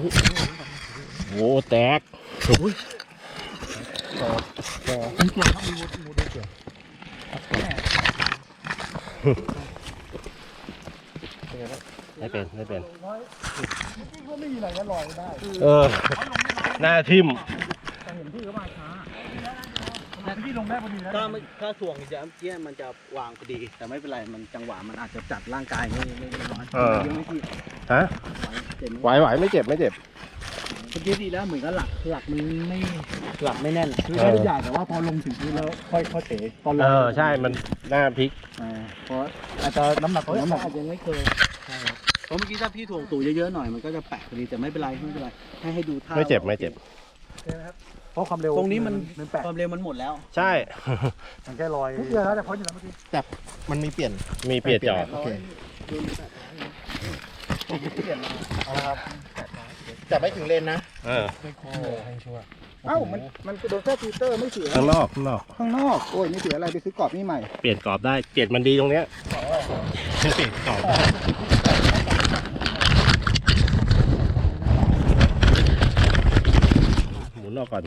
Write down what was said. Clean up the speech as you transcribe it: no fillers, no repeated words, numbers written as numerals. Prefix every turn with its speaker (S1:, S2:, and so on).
S1: โอ้แตกไม่เป็นหน้าทิ่ม
S2: ถ้าถ่วงจะเกี้ยมันจะวางพอดีแต่ไม่เป็นไรมันจังหวะมันอาจจะจัดร่างกายไม่ร้อนยังไม่ที่
S1: ฮะไหวไม่เจ็บเ
S2: มื่อกี้ดีแล้วเหมือนกับหลักมันไม่แน่นคือได้ทุกอย่างแต่ว่าพอลงถึงพื้นแล้วค่อยเตะตอนลง
S1: ใช่มันหน้าพลิก
S2: เพราะอาจจะน้ำหนักอาจจะไม่เคยเพราะเมื่อกี้ถ้าพี่ถ่วงตู่เยอะๆหน่อยมันก็จะแปะพอดีแต่ไม่เป็นไรให้ดูท่า
S1: ไม่เจ็บ
S2: เพราะความเร็วตรงนี้มันความเร็วมันหมดแล้ว
S1: ใช่
S2: มันแค่ลอยทุกเดือนแล้วแต่พ้นอยู่แล้วเมื่อกี้
S3: แต่มันมีเปลี่ยน
S1: จอด
S3: โอเคเอาละครับจับไม่ถึงเลนนะ
S2: เอ้ามันโดนแค่ฟิลเตอร์ไม่เสีย
S1: ข้างนอก
S2: โอ้ยไม่เสียอะไรไปซื้อกรอบนี่ใหม่
S1: เปลี่ยนกรอบได้เปลี่ยนมันดีตรงเนี้ยเปลี่ยนกรอบหมุนออกก่อน